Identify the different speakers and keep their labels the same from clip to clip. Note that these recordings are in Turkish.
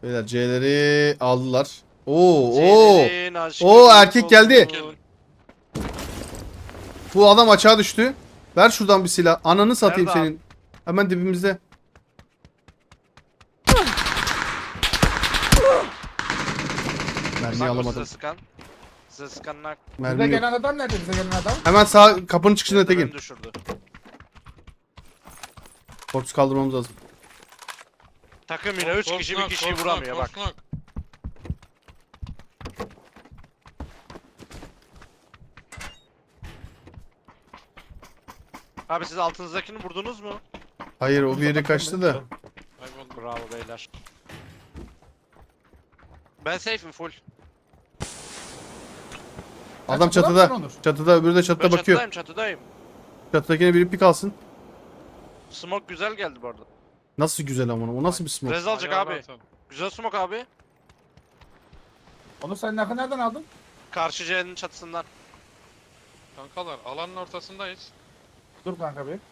Speaker 1: Beyler C'leri aldılar. Oo.
Speaker 2: Senin aşkı
Speaker 1: Oo,
Speaker 2: büyük
Speaker 1: erkek geldi.
Speaker 2: olsun.
Speaker 1: Bu adam açığa düştü. Ver şuradan bir silah. Ananı satayım
Speaker 2: Nerede abi?
Speaker 1: senin. Hemen dibimizde. Mermi
Speaker 2: Bak o
Speaker 1: alamadım.
Speaker 2: size sıkan. Size sıkanlar
Speaker 3: Bize
Speaker 1: Mermi yok.
Speaker 3: gelen adam nerede? Bize gelen adam.
Speaker 1: Hemen sağ kapının çıkışında
Speaker 2: beni
Speaker 1: Tekin.
Speaker 2: düşürdü.
Speaker 1: Korpus kaldırmamız lazım.
Speaker 2: Takım yine 3 kişi bir kişiyi vuramıyor bak. Abi siz altınızdakini vurdunuz mu?
Speaker 1: Hayır, o bir yere kaçtı da.
Speaker 2: Bravo beyler. Ben safe'im full.
Speaker 1: Adam
Speaker 3: çatıda
Speaker 1: çatıda.
Speaker 3: mısın Onur?
Speaker 1: Çatıda, öbürü de
Speaker 2: Ben
Speaker 1: çatıda bakıyor.
Speaker 2: çatıdayım.
Speaker 1: Çatıdakine biri pik alsın.
Speaker 2: Smoke güzel geldi bu arada.
Speaker 1: Nasıl güzel ama o nasıl bir smoke?
Speaker 2: Rez alacak abi. Güzel smoke abi.
Speaker 3: Onu sen nereden aldın?
Speaker 2: Karşı C'nin çatısından.
Speaker 4: Kankalar alanın ortasındayız.
Speaker 3: Dur kanka bir.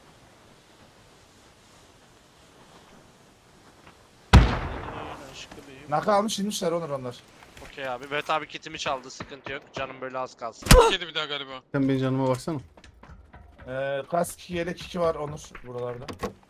Speaker 3: Naka almış inmişler Onur onlar.
Speaker 2: Okey abi. Evet abi kitimi çaldı. Sıkıntı yok. Canım böyle az kalsın.
Speaker 4: Yedi bir daha galiba.
Speaker 1: Sen benim canıma baksana.
Speaker 3: Kask yelek 2 var Onur buralarda.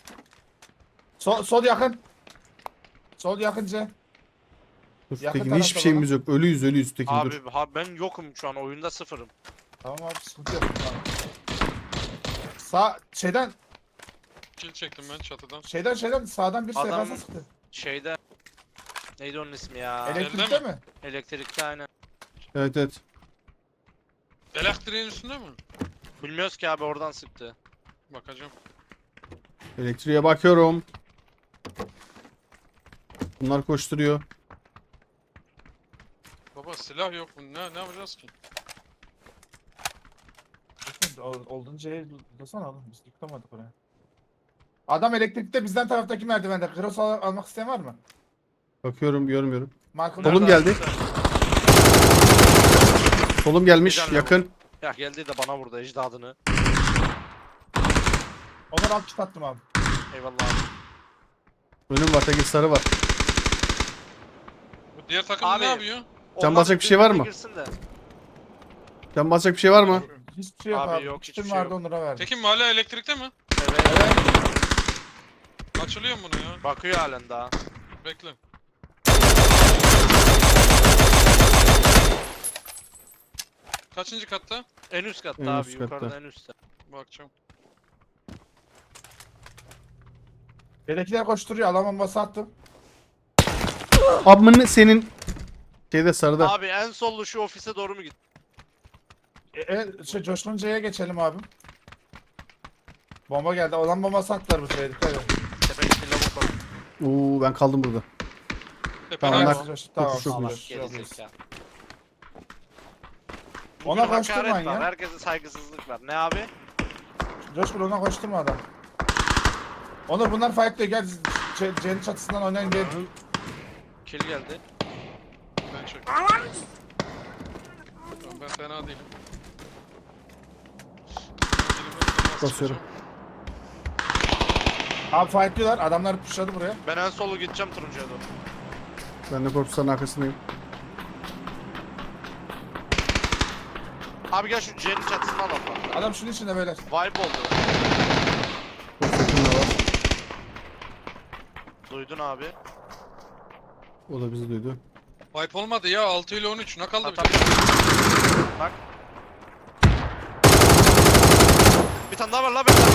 Speaker 3: Sol yakın. Sol yakınca.
Speaker 1: Dur
Speaker 3: Yakın
Speaker 1: Tekin,
Speaker 3: tarafta
Speaker 1: hiçbir şeyimiz yok. Ölüyüz Tekin,
Speaker 2: Abi
Speaker 1: dur.
Speaker 2: ben yokum şu an oyunda sıfırım.
Speaker 3: Tamam abi sıkıntı yok. Tamam. Sağ
Speaker 4: Kill çektim ben çatıdan.
Speaker 3: şeyden sağdan bir
Speaker 2: Adam-
Speaker 3: SKS sıktı.
Speaker 2: Şeyde neydi onun ismi ya?
Speaker 3: Elektrikte mi?
Speaker 2: Elektrikte aynen.
Speaker 1: Evet.
Speaker 4: Elektriğin üstünde mi?
Speaker 2: Bilmiyoruz ki abi oradan sıktı.
Speaker 4: Bakacağım.
Speaker 1: Elektriğe bakıyorum. Bunlar koşturuyor.
Speaker 4: Baba silah yok mu? Ne yapacağız ki?
Speaker 3: Olduğunca dursana oğlum biz yıkamadık oraya. Adam elektrikte bizden taraftaki merdivende. Cross almak isteyen var mı?
Speaker 1: Bakıyorum, görmüyorum.
Speaker 3: Michael
Speaker 1: Solum
Speaker 2: Nerede
Speaker 1: geldi.
Speaker 2: abi?
Speaker 1: Solum gelmiş,
Speaker 2: Bir tane
Speaker 1: yakın.
Speaker 2: Ya geldi de bana vurdu ecdadını.
Speaker 3: Onur alt kit attım abi.
Speaker 2: Eyvallah abi.
Speaker 1: Önüm var, Tekin sarı var.
Speaker 4: Bu diğer takım
Speaker 2: Abi.
Speaker 4: ne yapıyor?
Speaker 1: Can
Speaker 2: Onlar
Speaker 1: basacak bir şey var
Speaker 2: birbirine
Speaker 1: mı?
Speaker 2: girsin de.
Speaker 1: Can basacak bir şey var mı?
Speaker 3: Hiçbir şey yok
Speaker 2: Abi
Speaker 3: abi.
Speaker 2: yok,
Speaker 3: Kitim
Speaker 2: hiçbir şey
Speaker 3: vardı
Speaker 2: yok.
Speaker 3: Onur'a verdim.
Speaker 4: Tekin hala elektrikte mi?
Speaker 2: Evet.
Speaker 4: Açılıyor mu bunu ya?
Speaker 2: Bakıyor halen daha.
Speaker 4: Bekle. Kaçıncı katta?
Speaker 2: En üst katta
Speaker 1: En
Speaker 2: abi
Speaker 1: üst katta.
Speaker 2: yukarıda en üstte.
Speaker 4: Bakacağım.
Speaker 3: Bedekiler koşturuyor. Alan bombası attım.
Speaker 1: Abmını senin şeyde sarıda.
Speaker 2: Abi en sollu şu ofise doğru mu git?
Speaker 3: Coşkun C'ye geçelim abim. Bomba geldi. Alan bombası attılar bu şeye. Dikkat edin.
Speaker 2: Tepedeki lavuk var.
Speaker 1: Oo, ben kaldım burada.
Speaker 4: Tepeden
Speaker 1: Tamam,
Speaker 3: Tamam,
Speaker 1: nak-
Speaker 3: tamam.
Speaker 1: çok
Speaker 3: tamam.
Speaker 1: iyi.
Speaker 2: Gerizekalı.
Speaker 3: Ona
Speaker 2: Bugün
Speaker 3: koşturmayın
Speaker 2: hakaret var.
Speaker 3: ya.
Speaker 2: Herkese saygısızlık var. Ne abi?
Speaker 3: Coşkun ona koşturma adam. Onur bunlar fight diyor. Gel C'nin çatısından oynayın gel.
Speaker 2: Kill geldi.
Speaker 4: ben çek. Tamam, ben fena değilim.
Speaker 1: Basıyorum.
Speaker 3: Abi fight diyorlar. Adamlar pushladı buraya.
Speaker 2: Ben en solu gideceğim turuncuya doğru.
Speaker 1: Ben de korpusların arkasındayım.
Speaker 2: Abi gel şu C'nin çatısını alalım.
Speaker 3: Adam şunun içinde beyler.
Speaker 2: Vibe oldu.
Speaker 1: Korpus yakında var.
Speaker 2: Duydun abi.
Speaker 1: O da bizi duydu.
Speaker 4: Wipe olmadı ya 6 ile 13 ne kaldı bir
Speaker 2: Tabii.
Speaker 4: tek?
Speaker 2: Bak. Bir tane daha var la beyler.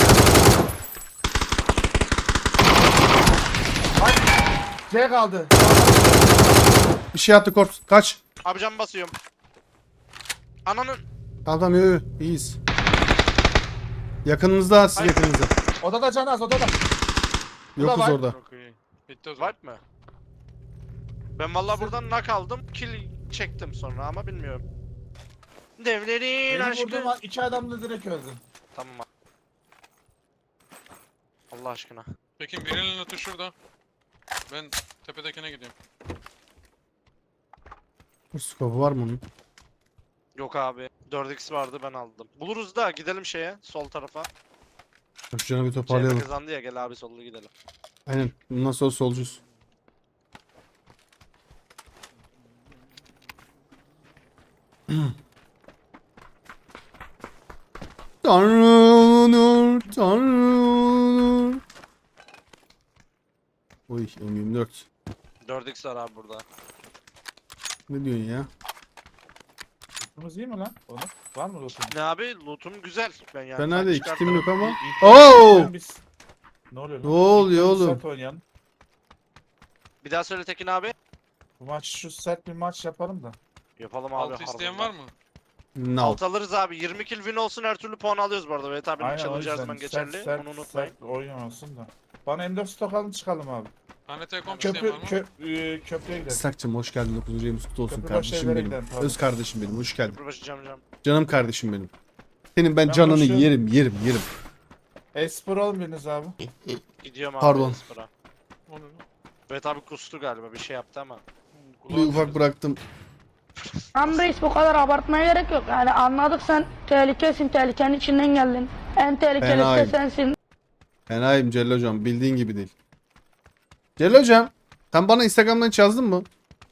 Speaker 3: C kaldı.
Speaker 1: Bir şey attı korpus. Kaç.
Speaker 2: Abi cam basıyorum. Ananın.
Speaker 1: Tamam, yo, iyiyiz. Yakınınızda, siz
Speaker 2: Hayır.
Speaker 1: yakınınızda.
Speaker 3: Odada can az odada.
Speaker 1: Yokuz
Speaker 3: var.
Speaker 1: orada.
Speaker 4: Çok iyi. Bitti o zaman.
Speaker 2: Vibe mi? Ben vallahi buradan knock aldım. Kill çektim sonra ama bilmiyorum. Devlerin
Speaker 3: Benim
Speaker 2: aşkı.
Speaker 3: vurduğum 2 adam da direkt öldü.
Speaker 2: Tamam abi. Allah aşkına.
Speaker 4: Tekin birinin notu şurada. Ben tepedekine gidiyorum.
Speaker 1: Bu skopu var mı onun?
Speaker 2: Yok abi. 4x vardı ben aldım. Buluruz da gidelim şeye sol tarafa.
Speaker 1: Şu canı bir
Speaker 2: CHP
Speaker 1: toparlayalım.
Speaker 2: kazandı ya gel abi sollu gidelim.
Speaker 1: Aynen. Bundan sonra solcuyuz. Tanrı olur, Tanrı olur. Oy M24.
Speaker 2: 4x var abi burada.
Speaker 1: Ne diyorsun ya?
Speaker 3: Lootumuz iyi mi lan? Onu. Var mı lootum?
Speaker 2: Ne abi lootum güzel. Ben yani
Speaker 1: Fena
Speaker 2: tank
Speaker 1: değil.
Speaker 2: çıkartırım.
Speaker 1: Kitim yok ama.
Speaker 3: İlk
Speaker 1: Oo!
Speaker 3: oyundan biz- Ne oluyor lan?
Speaker 1: Ne oluyor
Speaker 3: İlk oyunu
Speaker 1: oğlum?
Speaker 3: sert oynayalım.
Speaker 2: Bir daha söyle Tekin abi.
Speaker 3: Bu maç şu sert bir maç yapalım da.
Speaker 2: Yapalım abi.
Speaker 4: Altı isteyen
Speaker 2: harbiden.
Speaker 4: var mı?
Speaker 1: No.
Speaker 2: Alt alırız abi. 20 kill win olsun her türlü puan alıyoruz bu arada. Evet abi
Speaker 3: Aynen o
Speaker 2: challenge her
Speaker 3: yüzden
Speaker 2: zaman geçerli. Onu unutmayın.
Speaker 3: sert oyun olsun da. Bana M4 stok alın çıkalım abi.
Speaker 4: Tane telekom isteyen
Speaker 3: Köprü,
Speaker 4: var mı?
Speaker 3: köprüye gidelim.
Speaker 1: Sakçım hoş geldin. 9. ayımız kutlu olsun
Speaker 3: Köprü
Speaker 1: kardeşim
Speaker 3: başına
Speaker 1: benim.
Speaker 3: gidelim, pardon.
Speaker 1: Öz kardeşim benim. Hoş geldin.
Speaker 2: Köprübaşı cam.
Speaker 1: Canım kardeşim benim. Senin ben
Speaker 3: Ben
Speaker 1: canını
Speaker 3: boşuyorum.
Speaker 1: yerim.
Speaker 3: Espor alın biriniz abi.
Speaker 2: Gidiyorum abi.
Speaker 1: Pardon.
Speaker 2: Espora.
Speaker 4: O ne lan?
Speaker 2: Evet abi kustu galiba bir şey yaptı ama.
Speaker 1: Bir ufak bıraktım.
Speaker 5: Lan reis bu kadar abartmaya gerek yok. Yani anladık sen tehlikesin, tehlikenin içinden geldin. En tehlikelisi de
Speaker 1: Fenayım.
Speaker 5: sensin.
Speaker 1: Fenayım Celil hocam. Bildiğin gibi değil. Celil hocam. Sen bana Instagram'dan hiç yazdın mı?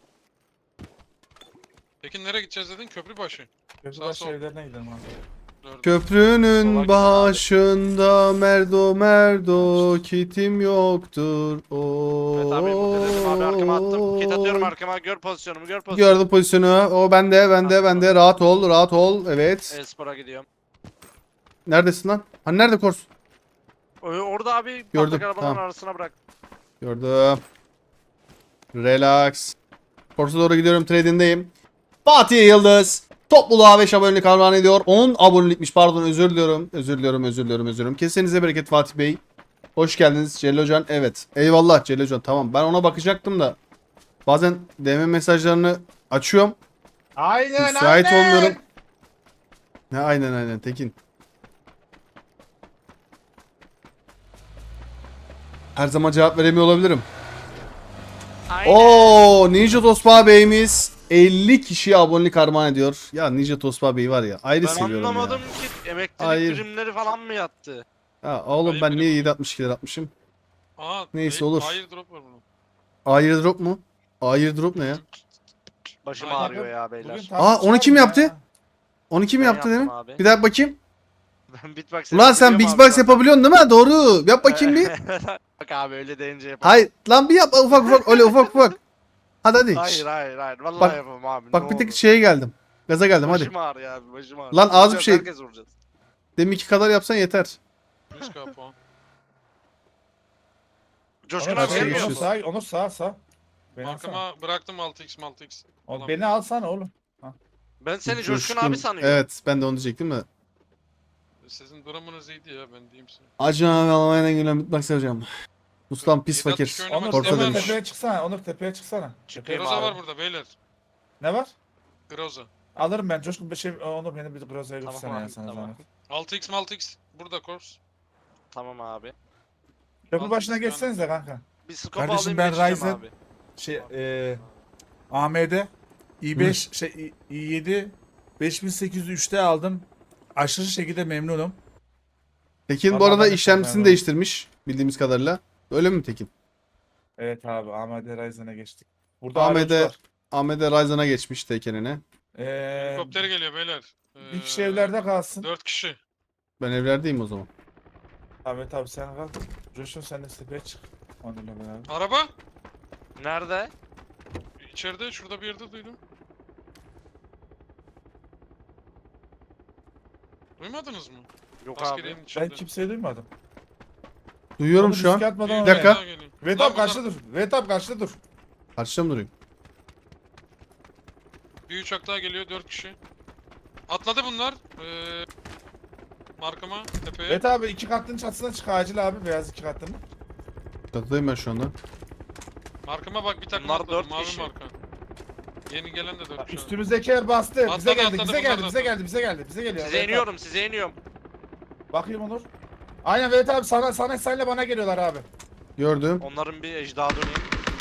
Speaker 4: Peki nereye gideceğiz dedin? Köprübaşı.
Speaker 3: Köprü
Speaker 4: Sağ
Speaker 3: başı
Speaker 4: sol.
Speaker 3: evlerine gidelim abi.
Speaker 4: Dördü.
Speaker 2: Sola
Speaker 1: Köprünün
Speaker 2: gidin abi.
Speaker 1: başında merdo kitim yoktur.
Speaker 2: Evet abi bu dedim abi arkama attım. Kit atıyorum arkama. Gör pozisyonumu gör pozisyonumu.
Speaker 1: Gördüm pozisyonu. O bende. Rahat ol. Evet.
Speaker 2: Espora gidiyorum.
Speaker 1: Neredesin lan? Hani nerede Kors?
Speaker 2: Orada abi
Speaker 1: Gördüm,
Speaker 2: patlak arabaların
Speaker 1: tamam.
Speaker 2: arasına bırak.
Speaker 1: Gördüm. Relax. Kors'a doğru gidiyorum. Trading'deyim. Fatih Yıldız. Topluluğa 5 abonelik armağan ediyor. 10 abonelikmiş pardon özür diliyorum. Kesenize bereket Fatih Bey. Hoş geldiniz Celil Hocan. Evet. Eyvallah Celil Hocan. Tamam ben ona bakacaktım da. Bazen DM mesajlarını açıyorum.
Speaker 3: Aynen
Speaker 1: Müsait olmuyorum. Ne aynen Tekin. Her zaman cevap veremiyor olabilirim.
Speaker 2: Aynen.
Speaker 1: Oo Ninja Tosba Bey'imiz 50 kişiye abonelik armağan ediyor. Ya Ninja Tosba Bey var ya ayrı
Speaker 2: Ben
Speaker 1: seviyorum
Speaker 2: anlamadım
Speaker 1: ya.
Speaker 2: ki emeklilik
Speaker 1: Hayır.
Speaker 2: primleri falan mı yattı?
Speaker 1: Ya oğlum
Speaker 4: Hayır,
Speaker 1: ben
Speaker 4: benim-
Speaker 1: niye 762 lira atmışım?
Speaker 4: Aa,
Speaker 1: Neyse, olur.
Speaker 4: Hayır drop var bunun.
Speaker 1: Airdrop mu? Airdrop ne ya?
Speaker 2: Başım
Speaker 4: Aynen.
Speaker 2: ağrıyor ya beyler.
Speaker 1: Aa, onu kim yaptı? Onu kim
Speaker 2: Ben
Speaker 1: yaptı
Speaker 2: yaptım
Speaker 1: dedim?
Speaker 2: abi.
Speaker 1: Bir daha bakayım.
Speaker 2: Ben beatbox
Speaker 1: Ulan sen
Speaker 2: yapabiliyorum
Speaker 1: beatbox
Speaker 2: abi
Speaker 1: yapabiliyorsun değil mi? Doğru. Yap bakayım bir.
Speaker 2: zaten. Bak abi öyle deyince yapamam.
Speaker 1: Hayır lan bir yap ufak öyle ufak. Hadi.
Speaker 2: Hayır. Vallahi
Speaker 1: Bak-
Speaker 2: yapamam abi.
Speaker 1: Bak
Speaker 2: ne
Speaker 1: bir tek
Speaker 2: olur.
Speaker 1: şeye geldim. Gaza geldim hadi.
Speaker 2: Başım ağrıyor abi başım ağrıyor.
Speaker 1: Lan az bir
Speaker 2: Vuracağız,
Speaker 1: şey-
Speaker 2: Herkes vuracağız.
Speaker 1: Deminki kadar yapsan yeter.
Speaker 4: 100k puan.
Speaker 2: Coşkun
Speaker 3: Onur,
Speaker 2: abi
Speaker 1: şey
Speaker 2: geliyor.
Speaker 1: geçiyoruz.
Speaker 3: Onur sağ. Beni alsana.
Speaker 4: Arkama bıraktım 6x.
Speaker 3: Oğlum, beni alsana oğlum.
Speaker 2: Ben seni Coşkun abi sanıyorum.
Speaker 1: Evet ben de onu diyecektim de.
Speaker 4: Sizin durumunuz iyiydi ya ben diyeyim size.
Speaker 1: Acı abi Almanya'dan gelen bitmek seveceğim. Ustam pis
Speaker 4: 762
Speaker 1: fakir.
Speaker 4: oynamak
Speaker 3: Onur
Speaker 1: Orta
Speaker 4: isteyen var
Speaker 1: demiş.
Speaker 4: mı?
Speaker 3: tepeye çıksana.
Speaker 2: Çıkayım
Speaker 4: Groza
Speaker 2: abi.
Speaker 4: var burada beyler.
Speaker 3: Ne var?
Speaker 4: Groza.
Speaker 3: Alırım ben Coşkun bir şey Onur beni bir Groza'ya
Speaker 2: Tamam
Speaker 3: götürsene ya
Speaker 2: abi,
Speaker 3: sana
Speaker 2: tamam.
Speaker 3: zahmet.
Speaker 4: 6x burada Kors.
Speaker 2: Tamam abi.
Speaker 3: Köprü başına
Speaker 4: Altı
Speaker 3: geçsenize kanka.
Speaker 2: Bir scope
Speaker 6: Kardeşim,
Speaker 2: alayım
Speaker 6: ben
Speaker 2: geçeceğim
Speaker 6: Ryzen-
Speaker 2: abi.
Speaker 6: Şey AMD i5 i7 5803'te aldım. Aşırı şekilde memnunum.
Speaker 1: Tekin bu
Speaker 3: Vallahi
Speaker 1: arada
Speaker 3: ben de
Speaker 1: işlemcisini
Speaker 3: çok
Speaker 1: değiştirmiş bildiğimiz kadarıyla. Öyle mi Tekin?
Speaker 3: Evet abi AMD Ryzen'e geçtik. Burada
Speaker 1: AMD
Speaker 3: AMD var.
Speaker 1: AMD Ryzen'a geçmiş Tekin'ine.
Speaker 4: Helikopter geliyor beyler.
Speaker 3: Bir kişi evlerde kalsın.
Speaker 4: 4 kişi.
Speaker 1: Ben evlerdeyim o zaman.
Speaker 3: Ahmet abi sen kal. Coşkun sen de tepeye çık. Onur'la beraber.
Speaker 4: Araba.
Speaker 2: Nerede?
Speaker 4: İçeride şurada bir yerde duydum. Duymadınız mı?
Speaker 2: Yok abi.
Speaker 4: Askeriyenin
Speaker 3: Ben
Speaker 4: içinde.
Speaker 3: kimseyi duymadım.
Speaker 1: Duyuyorum
Speaker 3: Onu
Speaker 1: şu an.
Speaker 3: riske atmadan
Speaker 4: Bir
Speaker 1: Bir dakika.
Speaker 4: daha geliyor.
Speaker 3: Vet
Speaker 4: Lan
Speaker 3: abi karşıda dur. Vet abi karşıda dur.
Speaker 1: Karşıda mı durayım?
Speaker 4: Bir uçak daha geliyor 4 kişi. Atladı bunlar. Markama tepeye.
Speaker 3: Vet abi 2 katlının çatısına çık acil abi. Beyaz 2 katlının.
Speaker 1: Çatıdayım ben şu anda.
Speaker 4: Markama bak bir takım
Speaker 2: Bunlar
Speaker 4: atladı.
Speaker 2: dört
Speaker 4: Mavi
Speaker 2: kişi.
Speaker 4: marka. Yeni gelen de 4 kişi.
Speaker 3: Üstümüzdeki yer bastı. Bize
Speaker 4: Atladı,
Speaker 3: geldi.
Speaker 4: atladı,
Speaker 3: Bize
Speaker 4: bunlar
Speaker 3: geldi.
Speaker 4: da
Speaker 3: Bize
Speaker 4: atladı.
Speaker 3: geldi. Bize geldi. Bize geliyor.
Speaker 2: Size
Speaker 3: Vet abi.
Speaker 2: iniyorum size iniyorum.
Speaker 3: Bakayım Onur. Aynen Vet abi sana senle bana geliyorlar abi.
Speaker 1: Gördüm.
Speaker 2: Onların bir ejdaha döneyim.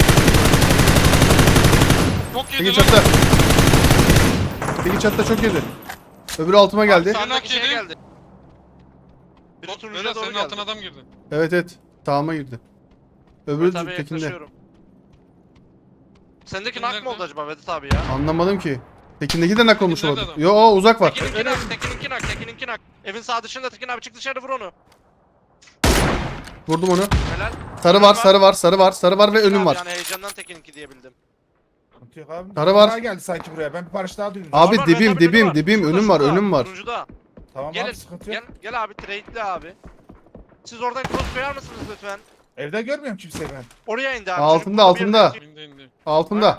Speaker 4: Çok
Speaker 1: Tekin
Speaker 4: yedi lan.
Speaker 1: çatıda. Tekin çatıda çok yedi. Öbürü altıma geldi.
Speaker 2: Abi sağdaki şeye
Speaker 4: yedi.
Speaker 2: geldi. Biri
Speaker 4: Bak,
Speaker 2: turuncuya
Speaker 4: Vedat
Speaker 2: doğru
Speaker 4: senin
Speaker 2: geldi.
Speaker 4: altına adam girdi.
Speaker 1: Evet. Sağıma girdi. Öbürü
Speaker 2: Vedat abiye
Speaker 1: Tekin'de.
Speaker 2: yaklaşıyorum. Sendeki
Speaker 4: Tekin
Speaker 2: nak mı
Speaker 4: nerede?
Speaker 2: oldu acaba Vedat abi ya?
Speaker 1: Anlamadım ki. Tekin'deki de nak olmuş
Speaker 4: Tekin
Speaker 1: olabilir.
Speaker 4: nerede
Speaker 1: Yo uzak var.
Speaker 2: Tekin'inki nak. Evin sağ dışında Tekin abi çık dışarı vur onu.
Speaker 1: Vurdum onu.
Speaker 2: Helal.
Speaker 1: Sarı var ve önüm
Speaker 2: Abi
Speaker 1: var.
Speaker 2: Yani heyecandan Tekin'inki diyebildim.
Speaker 3: Sıkıntı yok abi.
Speaker 1: Sarı var.
Speaker 3: Daha geldi sanki buraya. Ben bir parça daha duydum.
Speaker 1: Abi
Speaker 2: Var,
Speaker 1: dibim,
Speaker 2: Mehmet
Speaker 1: dibim,
Speaker 2: var.
Speaker 1: dibim.
Speaker 2: Şurada,
Speaker 1: Önüm var,
Speaker 2: şurada,
Speaker 1: önüm var.
Speaker 2: Turuncuda.
Speaker 3: Tamam
Speaker 2: Gel,
Speaker 3: abi sıkıntı yok.
Speaker 2: gel abi trade'le abi. Siz oradan cross koyar mısınız lütfen?
Speaker 3: Evde görmüyorum kimseyi ben.
Speaker 2: Oraya indi abi.
Speaker 1: Altında,
Speaker 2: Çocuk burada bir
Speaker 1: altında.
Speaker 2: yerde-
Speaker 4: İndi.
Speaker 1: Altında.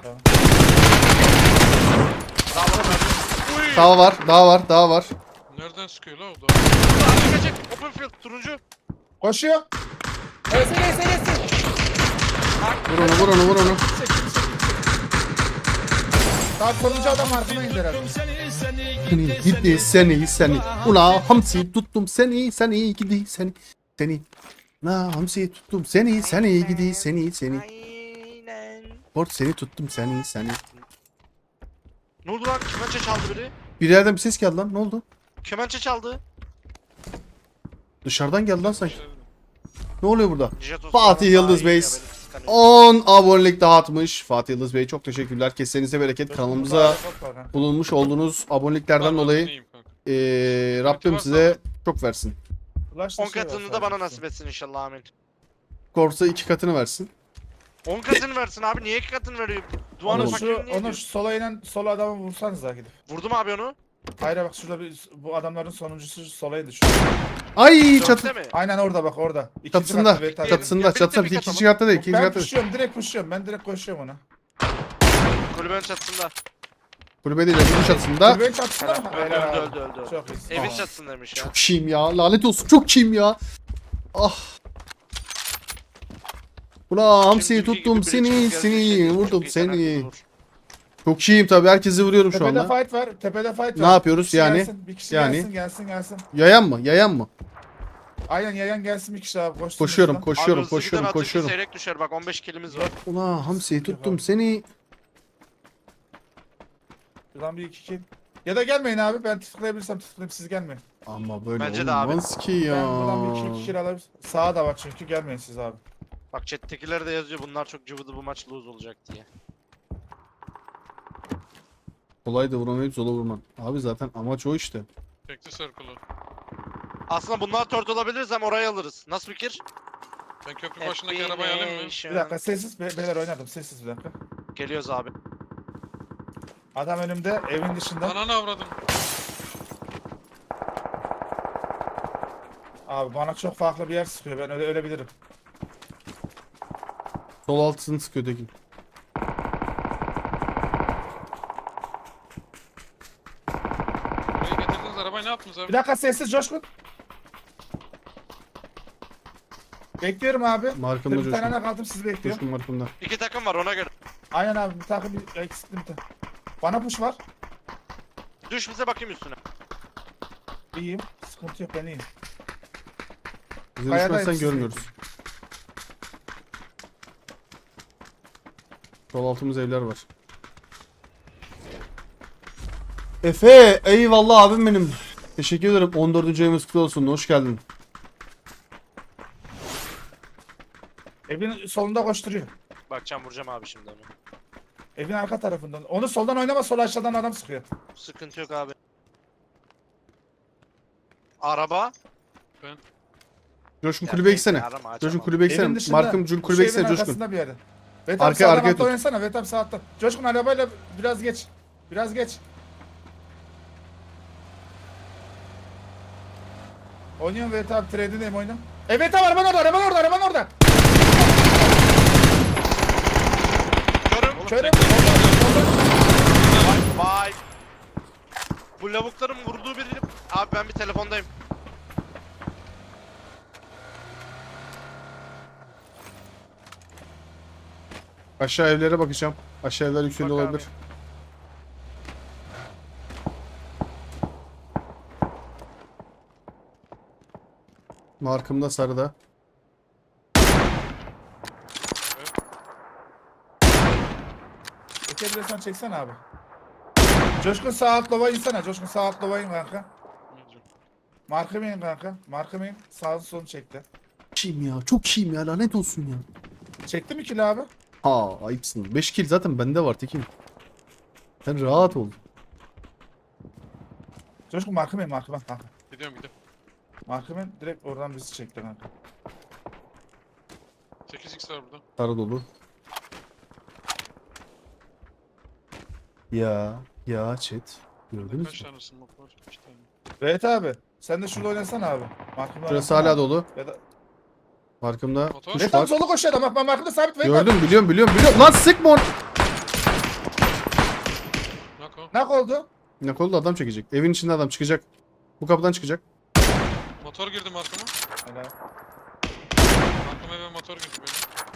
Speaker 2: Bravo Mehmet. Uy.
Speaker 1: Daha var.
Speaker 4: Nereden sıkıyor la o da?
Speaker 2: Burada açık. Open field turuncu.
Speaker 3: Koşuyor. Neyse.
Speaker 1: Vur onu.
Speaker 3: Daha sonuncu adam arkama indi herhalde.
Speaker 1: Seni. Ula hamsi tuttum seni gidi seni. La hamsi tuttum seni gidi seni.
Speaker 2: Aynen.
Speaker 1: Port seni tuttum seni.
Speaker 2: Ne oldu lan? Kemençe çaldı biri.
Speaker 1: Bir yerden bir ses geldi lan. Ne oldu?
Speaker 2: Kemençe çaldı.
Speaker 1: Dışarıdan geldi lan sanki. Ne oluyor burada?
Speaker 2: Jet olsun.
Speaker 1: Fatih
Speaker 2: Daha
Speaker 1: Yıldız
Speaker 2: iyi
Speaker 1: Bey
Speaker 2: ya, böyle kıskanıyor.
Speaker 1: 10 abonelik dağıtmış. Fatih Yıldız Bey çok teşekkürler. Kesenize bereket. Kanalımıza bulunmuş olduğunuz aboneliklerden dolayı Rabbim size çok versin.
Speaker 2: 10 katını da bana nasip etsin inşallah amin.
Speaker 1: Korsa 2 katını versin.
Speaker 2: 10 katını versin abi niye 2 katını veriyor? Duanın
Speaker 1: Onu-
Speaker 2: fakirin niye
Speaker 3: Onu
Speaker 2: diyor?
Speaker 3: şu sola inen sol adamı vursanız daha gidip.
Speaker 2: Vurdum abi onu.
Speaker 3: Hayır bak şurada bu adamların sonuncusu solaydı şu.
Speaker 1: Ay
Speaker 2: Dörtte
Speaker 1: çatı.
Speaker 2: mi?
Speaker 3: Aynen orada bak orada. İkinci
Speaker 1: Çatısında.
Speaker 3: katta bir tane.
Speaker 1: Çatısında.
Speaker 2: Ya,
Speaker 1: Çatısında.
Speaker 2: birlikte bir
Speaker 1: İkinci katta değil. İkinci
Speaker 3: Ben
Speaker 1: katta değil.
Speaker 3: pushuyorum direkt pushuyorum. Ben direkt koşuyorum ona.
Speaker 2: Kulübenin çatısında.
Speaker 1: Kulübe değil. Öbür çatısında.
Speaker 3: Kulübenin çatısında mı?
Speaker 2: Öldü
Speaker 3: Helal abi.
Speaker 2: öldü.
Speaker 3: Çok iyisin.
Speaker 2: Evin
Speaker 3: Tamam.
Speaker 2: çatısındaymış ya.
Speaker 1: Çok şeyim ya. Lanet olsun. Çok şeyim ya. Ah. Ula hamsiyi
Speaker 2: Türkiye
Speaker 1: tuttum
Speaker 2: gibi biri çıkıp gelse
Speaker 1: seni.
Speaker 2: şey, çok
Speaker 1: Vurdum
Speaker 2: iyi
Speaker 1: seni.
Speaker 2: karakter olur.
Speaker 1: Çok şeyim tabii. Herkesi vuruyorum şu
Speaker 3: Tepede
Speaker 1: anda.
Speaker 3: fight var. Tepede fight var.
Speaker 1: Ne yapıyoruz
Speaker 3: Bir kişi
Speaker 1: yani?
Speaker 3: Gelsin, bir kişi
Speaker 1: Yani?
Speaker 3: gelsin.
Speaker 1: Yayan mı? Yayan mı?
Speaker 3: Aynen yayan gelsin bir kişi abi. Koşsun
Speaker 1: Koşuyorum,
Speaker 3: üstüne.
Speaker 2: Abi
Speaker 1: koşuyorum,
Speaker 2: hızlı giden atınca
Speaker 1: koşuyorum.
Speaker 2: seyrek düşer bak 15 kilimiz var.
Speaker 1: Ula hamsiyi tuttum seni.
Speaker 3: Şuradan bir iki kill. Ya da gelmeyin abi. Ben tıklayabilirsem tıklayayım siz gelmeyin.
Speaker 1: Ama böyle
Speaker 2: Bence de abi.
Speaker 1: olmaz ki ya.
Speaker 3: Ben buradan bir iki kill alabilirim. Sağa da var çünkü gelmeyin siz abi.
Speaker 2: Bak chat'tekiler de yazıyor bunlar çok cıvıdı bu maç lose olacak diye.
Speaker 1: Kolay da vuramayıp zola vurman. Abi zaten amaç o işte.
Speaker 4: Çekti circle'ı.
Speaker 2: Aslında bunlar tört olabiliriz hem orayı alırız. Nasıl fikir?
Speaker 4: Ben köprü başındaki arabayı alayım mı?
Speaker 3: Bir dakika sessiz beyler oynadım sessiz bir dakika.
Speaker 2: Geliyoruz abi.
Speaker 3: Adam önümde evin dışında.
Speaker 4: Ananı avradım.
Speaker 3: Abi bana çok farklı bir yer sıkıyor ben ölebilirim.
Speaker 1: Sol altısını sıkıyor Tekin.
Speaker 4: Buraya getirdiniz arabayı ne yaptınız abi?
Speaker 3: Bir dakika sessiz Coşkun. Bekliyorum abi.
Speaker 1: Markımda
Speaker 3: Bir tane
Speaker 1: Coşkun.
Speaker 3: ne kaldım sizi bekliyorum.
Speaker 1: Coşkun markımda.
Speaker 2: 2 takım var ona göre.
Speaker 3: Aynen abi bir takım bir eksikli bir tane. Bana push var.
Speaker 2: Düş bize bakayım üstüne.
Speaker 3: İyiyim. Sıkıntı yok ben iyiyim.
Speaker 1: Bize
Speaker 3: Kayada
Speaker 1: düşmezsen
Speaker 3: hepsi
Speaker 1: görmüyoruz. Sol altımız evler var. Efe eyvallah abim benim. Teşekkür ederim. 14. ayımız kutlu olsun. Hoş geldin.
Speaker 3: Evin solunda koşturuyor.
Speaker 2: Bakacağım vuracağım abi şimdi onu.
Speaker 3: Evin arka tarafından. Onu soldan oynama sol aşağıdan adam sıkıyor.
Speaker 2: Sıkıntı yok abi. Araba.
Speaker 1: Coşkun
Speaker 2: Ya
Speaker 1: kulübe
Speaker 2: bekle,
Speaker 1: gitsene.
Speaker 2: arama, açamam.
Speaker 1: Coşkun kulübe
Speaker 3: Evin
Speaker 1: gitsene.
Speaker 3: dışında.
Speaker 1: Markım
Speaker 3: Şu
Speaker 1: kulübe
Speaker 3: evin
Speaker 1: gitsene Coşkun.
Speaker 3: arkasında bir yerde. Vetam
Speaker 1: Arkaya,
Speaker 3: sağdan
Speaker 1: arkaya
Speaker 3: altta
Speaker 1: tut.
Speaker 3: oynasana. Vetam sağ altta. Coşkun arabayla biraz geç. Biraz geç. Oynuyorum Vetam trade'indeyim oynuyorum. Evet abi araban orada.
Speaker 2: Körüm.
Speaker 3: Körüm.
Speaker 2: Vay. Bu lavukların vurduğu biri. Abi ben bir telefondayım.
Speaker 1: Aşağı evlere bakacağım. Aşağı evler yükseliyor
Speaker 2: Bak abi.
Speaker 1: olabilir. Markımda sarıda.
Speaker 3: Çekebilirsen çeksene abi. Coşkun sağ alt lova insene. Coşkun sağ alt lova in kanka. Markım in kanka. Markım in. Sağın solunu çekti.
Speaker 1: Çiğim ya. Çok çiğim ya. Lanet olsun ya.
Speaker 3: Çekti mi kilo abi?
Speaker 1: Ha ayıpsın. 5 kill zaten bende var Tekin. Sen rahat ol.
Speaker 3: Coşkun markım kanka.
Speaker 4: Gidiyorum gidiyorum.
Speaker 3: Markım direkt oradan bizi çekti kanka.
Speaker 4: 8x var burada.
Speaker 1: Sarı dolu. Ya chat. Gördünüz
Speaker 4: Kaç
Speaker 1: mü?
Speaker 4: tane smoke var? 2 tane.
Speaker 3: Evet abi. Sen de şurada oynasana abi. Markımda
Speaker 1: Şurası
Speaker 3: oynasana
Speaker 1: hala
Speaker 3: abi.
Speaker 1: dolu.
Speaker 3: Ya da...
Speaker 1: Markımda
Speaker 4: Motor.
Speaker 1: kuş
Speaker 3: Vedat
Speaker 1: var.
Speaker 3: solu koşuyor adam. Bak markımda sabit Vedat.
Speaker 1: Gördüm biliyorum. Lan sıkma onu.
Speaker 4: Nako.
Speaker 3: Nak oldu.
Speaker 1: Ne kolda adam çekecek. Evin içinde adam çıkacak. Bu kapıdan çıkacak.
Speaker 4: Motor girdi markama.
Speaker 3: Helal.
Speaker 4: Markama eve motor girdi böyle.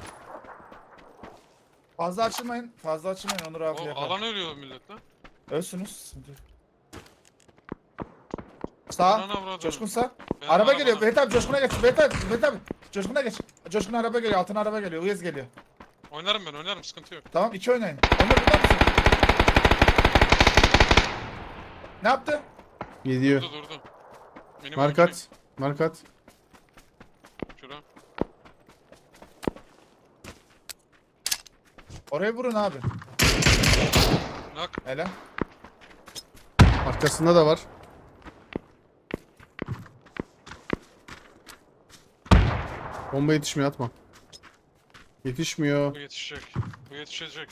Speaker 3: Fazla açılmayın. Onur abi
Speaker 4: O
Speaker 3: yakar.
Speaker 4: alan ölüyor millet lan.
Speaker 3: Ölsünüz. Sıkıntı yok. Sağ.
Speaker 4: Anana avradım.
Speaker 3: Coşkun sağ.
Speaker 4: Benim
Speaker 3: Araba
Speaker 4: arabada.
Speaker 3: geliyor. Vedat abi Coşkun'a geç. Vedat abi. Coşkun'a geç. Coşkun araba geliyor. Altına araba geliyor. Uyuz geliyor.
Speaker 4: Oynarım sıkıntı yok.
Speaker 3: Tamam 2 oynayın. Onur burada mısın? Ne yaptı?
Speaker 1: Gidiyor.
Speaker 4: Durdu. Benim
Speaker 1: Markat. Markat.
Speaker 4: Şura.
Speaker 3: Oraya vurun abi.
Speaker 4: Nak.
Speaker 3: Helal.
Speaker 1: Arkasında da var. Bomba yetişmiyor atma. Yetişmiyor.
Speaker 4: Bu yetişecek. Bu yetişecek.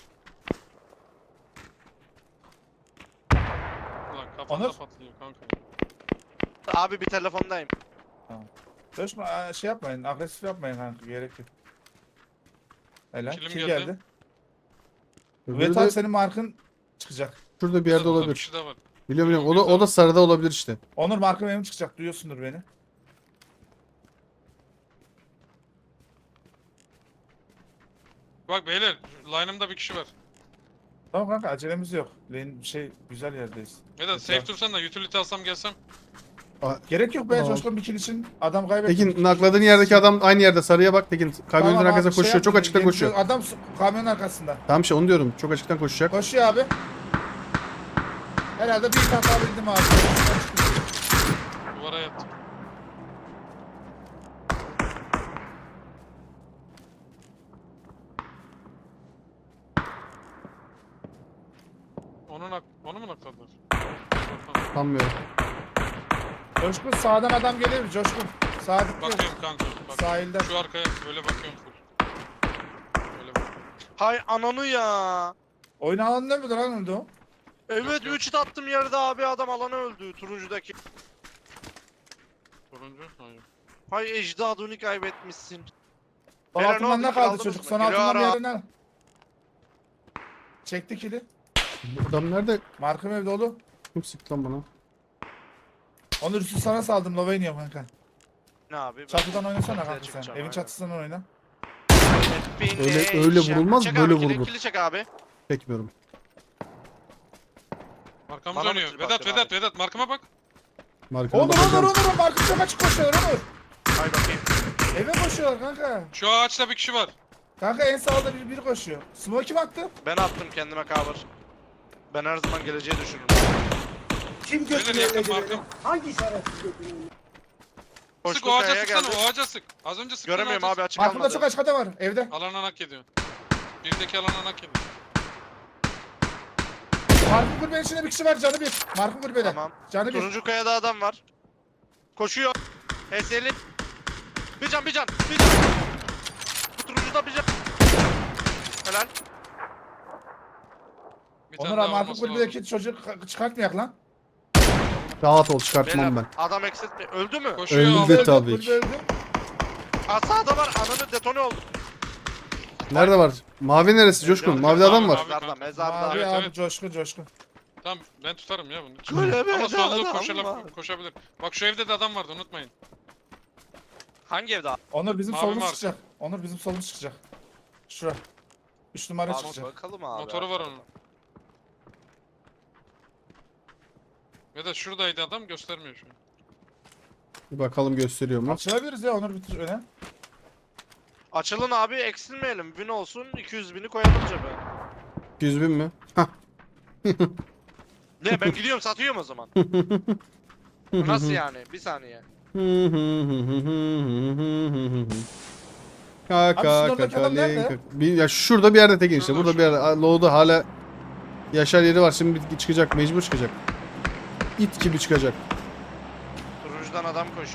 Speaker 4: Ulan kafanda
Speaker 3: Onur.
Speaker 4: patlıyor kanka.
Speaker 2: Abi bir telefondayım.
Speaker 3: Coşkun şey yapmayın. Agresif yapmayın kanka. Gerek yok. Helal.
Speaker 4: Kilim
Speaker 3: Kim
Speaker 4: geldi.
Speaker 3: geldi?
Speaker 1: Öbürü
Speaker 3: Vedat
Speaker 1: de
Speaker 3: abi senin markın çıkacak.
Speaker 1: şurada bir yerde
Speaker 4: Burada bir
Speaker 1: olabilir.
Speaker 4: kişi daha var.
Speaker 1: Biliyorum. O da sarıda olabilir işte.
Speaker 3: Onur markım benim çıkacak. Duyuyorsundur beni.
Speaker 4: Bak beyler line'ımda bir kişi var.
Speaker 3: Tamam kanka acelemiz yok. Lane güzel yerdeyiz.
Speaker 4: Vedat safe dursan da utility alsam gelsem.
Speaker 3: Gerek yok be
Speaker 1: Tamam.
Speaker 3: Coşkun bir kill için adam kaybetti.
Speaker 1: Tekin nakladığın yerdeki adam aynı yerde sarıya bak. Tekin kamyonun
Speaker 3: Tamam
Speaker 1: arkasına
Speaker 3: abi, şey
Speaker 1: koşuyor. Çok
Speaker 3: yapmayın,
Speaker 1: açıktan
Speaker 3: gelin
Speaker 1: koşuyor.
Speaker 3: şu Adam kamyonun arkasında.
Speaker 1: Tamam şey onu diyorum. Çok açıktan koşacak.
Speaker 3: Koşuyor abi. Herhalde bir hata bildim abi.
Speaker 4: Duvara yattı. Onu mu nakladılar?
Speaker 1: Sanmıyorum.
Speaker 3: Coşkun sağdan adam gelir mi Coşkun? Sağ dikkat.
Speaker 4: Bakıyorum kanka. Bak.
Speaker 3: Sahilden.
Speaker 4: Şu arkaya böyle bakıyorum full. Böyle bak.
Speaker 2: Hay ananı ya.
Speaker 3: Oyun alanında mıdır lan öldü o?
Speaker 2: Evet
Speaker 4: yok.
Speaker 2: 3 hit attım yerde abi adam alana öldü turuncudaki.
Speaker 4: Turuncu. Hayır.
Speaker 2: Hay ecdadını kaybetmişsin.
Speaker 3: Son
Speaker 2: Beyler, ne
Speaker 3: altından
Speaker 2: oldu?
Speaker 3: ne
Speaker 2: Kill
Speaker 3: kaldı
Speaker 2: aldınız
Speaker 3: çocuk?
Speaker 2: mı?
Speaker 3: Son
Speaker 2: Geliyor
Speaker 3: altından bir
Speaker 2: ara.
Speaker 3: yerinden. Çekti kili.
Speaker 1: Bu adam nerede?
Speaker 3: Markım ev dolu.
Speaker 1: Kim sıktı lan bana?
Speaker 3: Onur üstü sana saldım. Lova iniyorum kanka.
Speaker 2: Ne abi?
Speaker 3: Çatıdan oynasana
Speaker 2: Çatıya
Speaker 3: kanka sen.
Speaker 2: çıkacağım,
Speaker 3: Evin
Speaker 2: aynen.
Speaker 3: çatısından oyna.
Speaker 1: Öyle vurulmaz,
Speaker 2: Çek
Speaker 1: böyle
Speaker 2: abi,
Speaker 1: vurur.
Speaker 2: Kili çek abi.
Speaker 1: Çekmiyorum.
Speaker 4: Arkamız
Speaker 2: Bana mı
Speaker 4: dönüyor.
Speaker 2: kill
Speaker 4: Vedat
Speaker 2: bakıyorsun
Speaker 4: Vedat markama bak.
Speaker 1: Markana
Speaker 3: Onur
Speaker 1: bakacağım.
Speaker 3: Markım çok açık koşuyorlar Onur.
Speaker 2: Hay bakayım.
Speaker 3: Eve koşuyorlar kanka.
Speaker 4: Şu ağaçta bir kişi var.
Speaker 3: Kanka en sağda biri koşuyor. Smoke kim attı?
Speaker 2: Ben attım kendime cover. Ben her zaman geleceği düşünürüm.
Speaker 7: Kim
Speaker 4: Beyler
Speaker 7: götünü
Speaker 4: yakın
Speaker 7: elledi beni?
Speaker 4: markam.
Speaker 7: Hangi şerefsiz götünü?
Speaker 4: Sık
Speaker 2: Koştuk
Speaker 4: o ağaca
Speaker 2: kayaya
Speaker 4: sıksana
Speaker 2: geldi.
Speaker 4: o ağaca sık. Az önce sıktın
Speaker 2: Göremiyorum
Speaker 4: ağaca
Speaker 2: abi açık
Speaker 3: Markımda
Speaker 2: almadı.
Speaker 3: çok açık adam var evde.
Speaker 4: sık. Alana nak ediyor. Birdeki alana nak ediyor.
Speaker 3: Markım kulübenin içinde bir kişi var canı bir. Markım kulübede.
Speaker 2: Tamam.
Speaker 3: Canı bir.
Speaker 2: Turuncu kayada adam var. Koşuyor. HS'li. Bir can. Bu turuncuda bir can. Helal.
Speaker 4: Bir tane
Speaker 3: Onur
Speaker 4: daha
Speaker 3: abi markım
Speaker 4: olması
Speaker 3: kulübedeki
Speaker 4: lazım.
Speaker 3: çocuk çıkartmayak lan.
Speaker 1: Rahat ol çıkartmam
Speaker 2: Beyler,
Speaker 1: ben.
Speaker 2: adam eksiltme. Öldü mü?
Speaker 4: Koşuyor
Speaker 1: Öldü.
Speaker 4: aldı.
Speaker 1: tabii
Speaker 3: kulübe
Speaker 1: ki.
Speaker 3: öldü.
Speaker 2: Sağda var. Ananı detone oldu.
Speaker 1: Nerede var? Mavi neresi Coşkun? Mavide adam var.
Speaker 2: Mezarda. Mezarda.
Speaker 3: Abi
Speaker 4: Evet,
Speaker 3: abi
Speaker 4: evet.
Speaker 3: coşkun.
Speaker 4: Tamam ben tutarım ya bunu.
Speaker 2: Kulübede
Speaker 4: Ama solda
Speaker 2: adam var.
Speaker 4: koşabilir. Bak şu evde de adam vardı unutmayın.
Speaker 2: Hangi evde abi?
Speaker 3: Onur bizim
Speaker 4: Mavi
Speaker 3: solumuz
Speaker 4: mark.
Speaker 3: çıkacak. Onur bizim solumuz çıkacak. Şura. 3 numara
Speaker 2: Abi
Speaker 3: çıkacak.
Speaker 2: bakalım abi.
Speaker 4: Motoru var onun. Ya da şuradaydı adam göstermiyor şu an.
Speaker 1: Bir bakalım gösteriyor mu?
Speaker 3: Açılabiliriz ya Onur bitir öne.
Speaker 2: Açılın abi eksilmeyelim. Win olsun 200 bini koyalım cebe.
Speaker 1: 100 bin mi? Hah.
Speaker 2: Ne ben gidiyorum satıyorum o zaman. Nasıl yani? Bir saniye.
Speaker 1: Kaka
Speaker 3: Abi sizin oradaki adam nerede?
Speaker 1: Ya şurada bir yerde Tekin işte.
Speaker 4: Şurada,
Speaker 1: Burada bir yerde. Low'da hala yaşar yeri var. Şimdi çıkacak. Mecbur çıkacak. it gibi çıkacak.
Speaker 2: Turuncudan adam koş.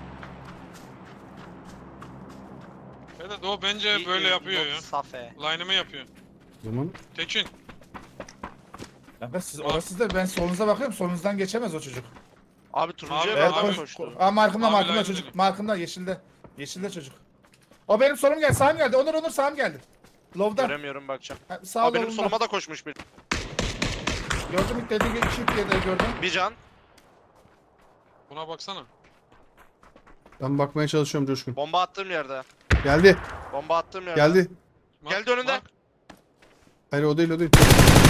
Speaker 4: Evet o bence böyle yapıyor ya.
Speaker 2: Safe.
Speaker 4: Line'ımı yapıyor.
Speaker 1: O zaman
Speaker 4: Tekin.
Speaker 3: Kanka siz orası da ben solunuza bakıyorum. Solunuzdan geçemez o çocuk.
Speaker 2: Abi turuncuya
Speaker 4: Abi,
Speaker 2: bir
Speaker 3: Evet
Speaker 2: adam
Speaker 3: koş.
Speaker 2: koştu.
Speaker 3: Aa markımda
Speaker 4: Abi,
Speaker 3: markımda
Speaker 4: line
Speaker 3: çocuk.
Speaker 4: gidelim.
Speaker 3: Markımda yeşilde. Yeşilde çocuk. O benim solum geldi. Sağım geldi. Onur sağım geldi. Lov'da.
Speaker 2: Göremiyorum bakacağım.
Speaker 3: Ha, Sağ
Speaker 2: Abi benim
Speaker 3: lov'unda.
Speaker 2: soluma da koşmuş bir.
Speaker 3: Gördüm ilk dediği gibi 2 diye de gördüm.
Speaker 2: Bir can.
Speaker 4: Buna baksana.
Speaker 1: ben bakmaya çalışıyorum Coşkun.
Speaker 2: Bomba attığım yerde.
Speaker 1: Geldi.
Speaker 2: Bomba attığım yerde.
Speaker 1: Geldi.
Speaker 2: Geldi önünde.
Speaker 4: Mark.
Speaker 1: Hayır o değil o değil.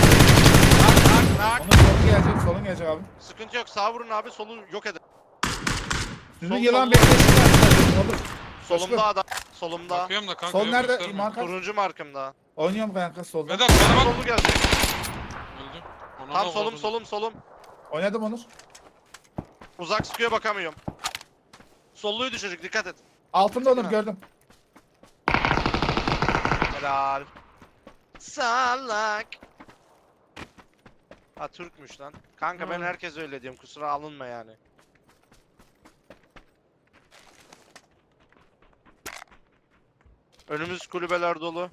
Speaker 2: Nak.
Speaker 3: Onun solu gelecek. Solun gelecek abi.
Speaker 2: Sıkıntı yok. Sağ vurun abi. Solu yok edin.
Speaker 3: Sizin
Speaker 2: Sol,
Speaker 3: yılan
Speaker 2: sol.
Speaker 3: beklesin. Olur.
Speaker 2: Solumda adam. Solumda.
Speaker 4: Bakıyorum da kanka.
Speaker 3: Sol
Speaker 4: yok,
Speaker 3: nerede?
Speaker 4: göstermiyor.
Speaker 3: Marka.
Speaker 2: Turuncu markımda.
Speaker 3: Oynuyorum kanka solda.
Speaker 4: Vedat bana bak.
Speaker 2: Solu geldi.
Speaker 4: Öldü. Ona
Speaker 2: Tam
Speaker 4: da
Speaker 2: solum
Speaker 4: vurdum.
Speaker 2: solum solum.
Speaker 3: Oynadım Onur.
Speaker 2: Uzak sıkıyor bakamıyorum. Solluydu çocuk dikkat et.
Speaker 3: Altında Onur
Speaker 2: Ha.
Speaker 3: gördüm.
Speaker 2: Helal. Salak. Ha Türkmüş lan. Kanka ben herkes öyle diyorum kusura alınma yani. Önümüz kulübeler dolu.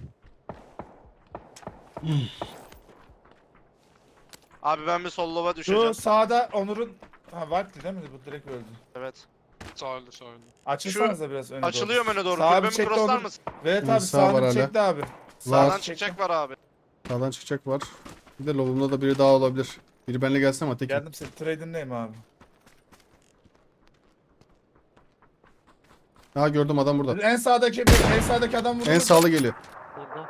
Speaker 2: Abi ben bir sollova düşeceğim.
Speaker 3: Şu sağda Onur'un... Ha Valkli değil mi? Bu direkt öldü.
Speaker 2: Evet.
Speaker 4: Sağ öldü sağ öldü.
Speaker 3: Açılsanız da biraz öne
Speaker 2: Açılıyorum öne doğru.
Speaker 3: Sağa bir
Speaker 2: Kulübemi
Speaker 3: çekti
Speaker 2: crosslar
Speaker 3: Onur.
Speaker 2: mısın?
Speaker 3: Evet
Speaker 1: Hı,
Speaker 3: abi
Speaker 1: sağ var
Speaker 3: sağını
Speaker 1: hala.
Speaker 3: çekti abi.
Speaker 2: Sağdan
Speaker 3: Sağdan
Speaker 2: çıkacak var abi.
Speaker 1: Sağdan çıkacak var. Bir de lobumda da biri daha olabilir. Biri benimle gelsin ama tek.
Speaker 3: Geldim senin trade'indeyim abi.
Speaker 1: Ha gördüm adam burada.
Speaker 3: En sağdaki adam vurdu.
Speaker 1: En sağlı geliyor.
Speaker 4: Vurdum.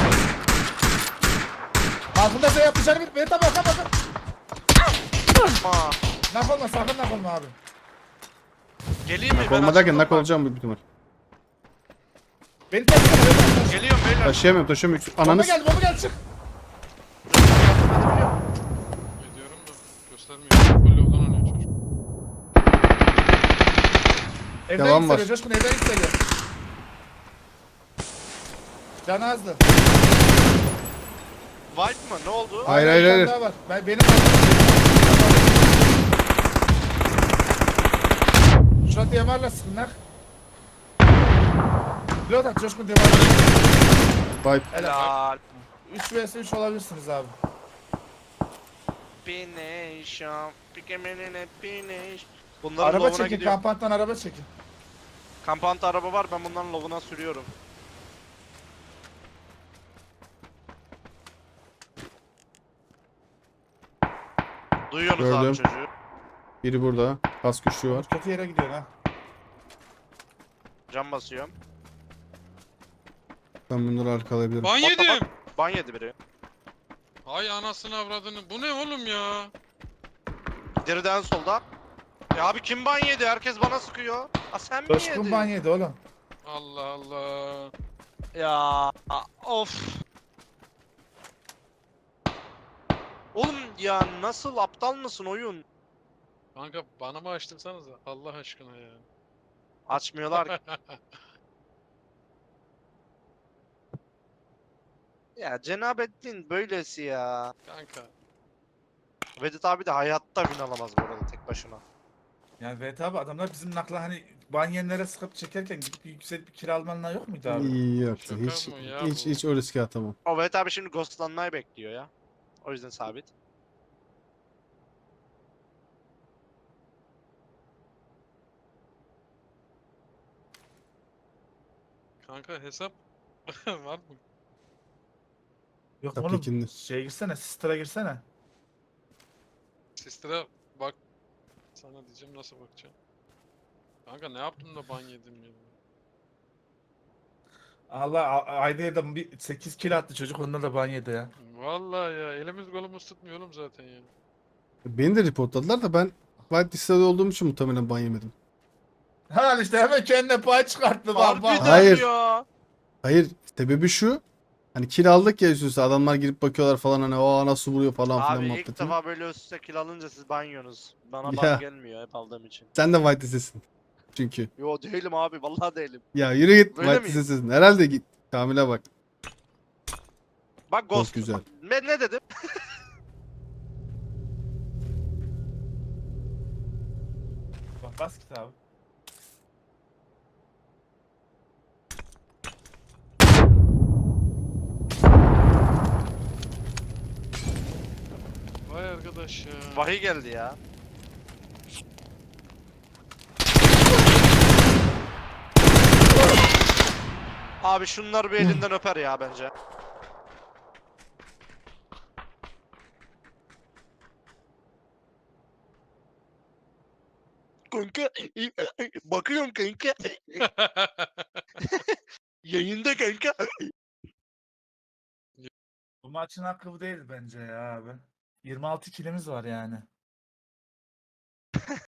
Speaker 3: Altında şey yapacağını bir. Evet abi bakın.
Speaker 2: Ama
Speaker 3: Nak olma sakın nak olma abi.
Speaker 2: geleyim mi?
Speaker 1: Nak
Speaker 2: Ben
Speaker 1: olma derken
Speaker 2: açıldım
Speaker 1: nak
Speaker 2: bak.
Speaker 1: olacağım büyük ihtimal.
Speaker 3: Beni taşıma.
Speaker 2: Geliyorum beyler.
Speaker 1: Taşıyamıyorum taşıyamıyorum.
Speaker 3: Bomba
Speaker 1: Ananız.
Speaker 3: geldi çık.
Speaker 4: Ediyorum da göstermiyor. Full yoldan oynuyor çocuk.
Speaker 3: Evden
Speaker 1: Devam var.
Speaker 3: isteliyor Coşkun evden isteliyor. Canı azdı.
Speaker 2: White mı? Ne oldu?
Speaker 1: Hayır,
Speaker 3: Bir
Speaker 1: hayır,
Speaker 3: tane
Speaker 1: hayır.
Speaker 3: daha var. Benim Şuna DMR'la sıkın nak. Pilot at Coşkun DMR'la.
Speaker 1: Vibe.
Speaker 2: Helal.
Speaker 3: 3 vs 3 olabilirsiniz abi.
Speaker 2: Pination. Pikemenine finish. Bunların
Speaker 3: Araba
Speaker 2: lovuna
Speaker 3: çekin,
Speaker 2: gidiyorum.
Speaker 3: kampanttan araba çekin.
Speaker 2: Kampanta araba var ben bunların lovuna sürüyorum. Duyuyorsunuz abi
Speaker 1: Gördüm.
Speaker 2: çocuğu.
Speaker 1: Biri burada. Kas güçlü var.
Speaker 3: Kötü yere gidiyor ha.
Speaker 2: Cam basıyorum.
Speaker 1: Ben bunları arkalayabilirim.
Speaker 4: Ban
Speaker 2: Bak, bak,
Speaker 4: yedim.
Speaker 2: Ban yedi biri.
Speaker 4: Ay anasını avradını. Bu ne oğlum ya?
Speaker 2: Geriden solda. Ya abi kim ban yedi? Herkes bana sıkıyor. Ha sen mi
Speaker 3: Coşkun
Speaker 2: yedin?
Speaker 3: ban yedi oğlum.
Speaker 4: Allah Allah.
Speaker 2: Ya of. Oğlum ya nasıl aptal mısın oyun?
Speaker 4: Kanka bana mı açtırsanız Allah aşkına ya.
Speaker 2: Açmıyorlar ki. Ya Cenabettin böylesi ya.
Speaker 4: Kanka.
Speaker 2: Vedat abi de hayatta win alamaz bu arada tek başına.
Speaker 3: Yani evet abi adamlar bizim nakla hani banyenlere sıkıp çekerken gidip yükselip bir kiralmanlar yok muydu abi?
Speaker 1: İyi yaptı.
Speaker 4: Şaka
Speaker 1: Hiç,
Speaker 4: mı ya
Speaker 1: hiç,
Speaker 4: bu?
Speaker 1: hiç o riske atamam.
Speaker 2: O Vedat abi şimdi ghostlanmayı bekliyor ya. O yüzden sabit.
Speaker 4: Kanka hesap var mı?
Speaker 3: Yok
Speaker 1: Tabii
Speaker 3: oğlum
Speaker 1: ki.
Speaker 3: şeye girsene, Sister'a girsene.
Speaker 4: Sister'a bak. Sana diyeceğim nasıl bakacağım. Kanka ne yaptım da ban yedim ya.
Speaker 3: Allah ayda da bir 8 kill attı çocuk ondan da ban yedi ya.
Speaker 4: Vallahi ya elimiz kolumuz tutmuyor oğlum zaten ya.
Speaker 1: Beni de reportladılar da ben White listede olduğum için muhtemelen ban yemedim.
Speaker 3: Ha işte hemen kendine pay çıkarttı bak bak.
Speaker 2: Harbiden
Speaker 1: Hayır.
Speaker 2: ya.
Speaker 1: Hayır sebebi şu. Hani kill aldık ya üst üste adamlar girip bakıyorlar falan hani o nasıl vuruyor falan filan
Speaker 2: Abi ilk
Speaker 1: muhabbetini.
Speaker 2: defa böyle üst üste kill alınca siz banyorsunuz. Bana
Speaker 1: Ya.
Speaker 2: ban gelmiyor hep aldığım için.
Speaker 1: Sen de White listesin. Çünkü.
Speaker 2: Yo değilim abi vallahi değilim.
Speaker 1: Ya yürü git
Speaker 2: Böyle
Speaker 1: White
Speaker 2: miyim?
Speaker 1: listesin. Herhalde git. Kamil'e bak.
Speaker 2: Bak Ghost.
Speaker 1: güzel.
Speaker 2: Ne dedim?
Speaker 3: Bas kitabı.
Speaker 4: Vay arkadaş ya.
Speaker 2: Vahiy geldi ya. Abi şunlar bir elinden öper ya bence. Kanka bakıyorum kanka. Yayında kanka.
Speaker 3: Bu maçın hakkı bu değil bence ya abi. 26 kilimiz var yani.